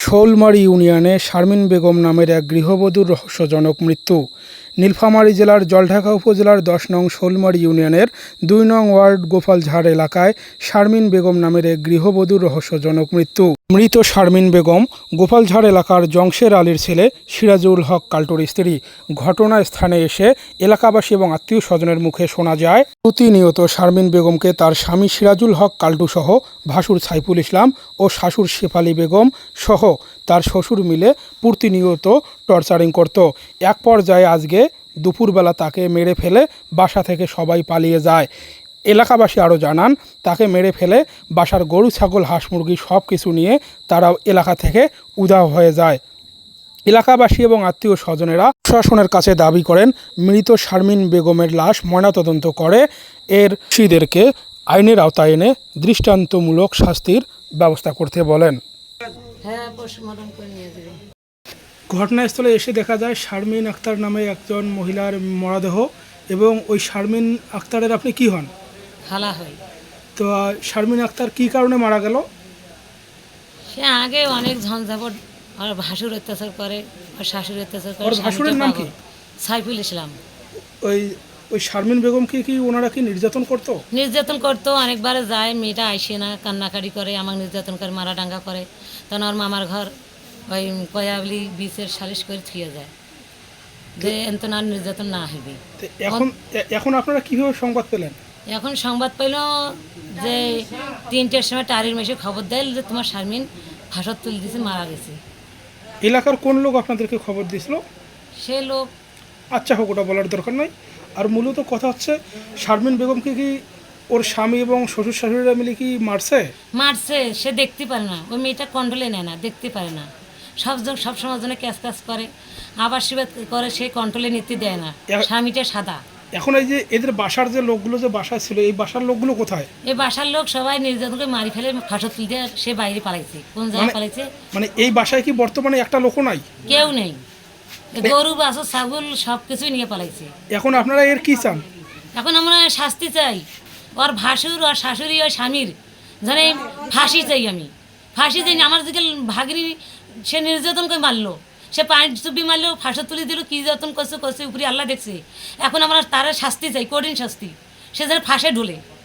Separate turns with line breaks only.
শোলমারী ইউনিয়নে শারমিন বেগম নামের এক গৃহবধূর রহস্যজনক মৃত্যু। নীলফামারী জেলার জলঢাকা উপজেলার ১০ নং শোলমারী ইউনিয়নের ২ নং ওয়ার্ড গোপালঝাড় এলাকায় শারমিন বেগম নামের এক গৃহবধূর রহস্যজনক মৃত্যু। মৃত শারমিন বেগম গোপালঝাড় এলাকার জংশের আলীর ছেলে সিরাজুল হক কাল্টুর স্ত্রী। ঘটনাস্থানে এসে এলাকাবাসী এবং আত্মীয় স্বজনের মুখে শোনা যায়, প্রতিনিয়ত শারমিন বেগমকে তার স্বামী সিরাজুল হক কাল্টু সহ ভাসুর সাইফুল ইসলাম ও শাশুড় শেফালি বেগম সহ তার শ্বশুর মিলে প্রতিনিয়ত টর্চারিং করত। এক পর্যায়ে আজকে দুপুরবেলা তাকে মেরে ফেলে বাসা থেকে সবাই পালিয়ে যায়। এলাকাবাসী আরও জানান, তাকে মেরে ফেলে বাসার গরু ছাগল হাঁস মুরগি সব কিছু নিয়ে তারা এলাকা থেকে উধাও হয়ে যায়। এলাকাবাসী এবং আত্মীয় স্বজনেরা প্রশাসনের কাছে দাবি করেন, মৃত শারমিন বেগমের লাশ ময়নাতদন্ত করে এর দোষীদেরকে আইনের আওতায় এনে দৃষ্টান্তমূলক শাস্তির ব্যবস্থা করতে বলেন। ঘটনাস্থলে এসে দেখা যায় শারমিন আক্তার নামে একজন মহিলার মরদেহ, এবং ওই শারমিন আক্তারের আপনি কি হন?
খালা হয়।
তো শারমিন আক্তার কি কারণে মারা গেল?
সে আগে অনেক ঝঞ্ঝাপট, আর ভাসুর অত্যাচার করে, আর শাশুড়ি অত্যাচার করে।
ওর ভাসুরের নাম কি?
সাইফুল ইসলাম।
ওই ওই শারমিন বেগমকে কি ওনারা কি নির্যাতন করতো?
নির্যাতন করতো, অনেকবার যায়, মেয়েটা আইসে না, কান্নাকাটি করে, আমাকে নির্যাতন করে, মারা ডাঙ্গা করে। তখন ওর মামার ঘর ওই কয়াবলি বিচের সালিশ করে থুয়ে যায় যে এত না নির্যাতন না হবে।
এখন এখন আপনারা কিভাবে সংবাদ পেলেন?
এখন সংবাদ পেল যে ৩টের সময় টারির মেশে খবর দেয় যে তোমার শারমিন ফাঁসত তুলে দিয়েছে, মারা গেছে।
এলাকার কোন লোক আপনাদেরকে খবর দিয়েছিল?
সে লোক।
আচ্ছা হোক, ওটা বলার দরকার নাই। আর মূলত কথা হচ্ছে, শারমিন বেগমকে কি ওর স্বামী এবং শ্বশুর শাশুড়িরা মিলে কি মারছে?
মারছে, সে দেখতে পারে না, ওই মেয়েটা কন্ট্রোলে নেয় না, দেখতে পারে না, সবসময়ের জন্য ক্যাশ করে, আবার শিবাদ করে, সে কন্ট্রোলে নিতে দেয় না। স্বামীটা সাদা।
এখন এই যে এদের বাসার যে লোকগুলো যে বাসায় ছিল, এই বাসার লোকগুলো কোথায়?
এই বাসার লোক সবাই নির্যাতন করে মারি ফেলে, ফাঁসত তুলতে সে বাইরে পালাইছে। কোন জায়গায় পালাইছে?
মানে এই বাসায় কি বর্তমানে একটা লোকও নাই?
কেউ নেই। গরু বাছুর ছাগল সব কিছুই নিয়ে পালাইছে।
এখন আপনারা এর কি চান?
এখন আমরা শাস্তি চাই। ওর ভাসুর আর শাশুড়ি আর স্বামীর জানে ফাঁসি চাই। আমি ফাঁসি চাই না। আমার দিকে ভাগিনী সে নির্যাতন করে মারলো, সে পানি চুপি মারলো, ফাঁসে তুলে দিল, কী যতন করছে উপরে আল্লাহ দেখছে। এখন আমরা তারা শাস্তি চাই, কঠিন শাস্তি, সে যেন ফাঁসে ঢোলে।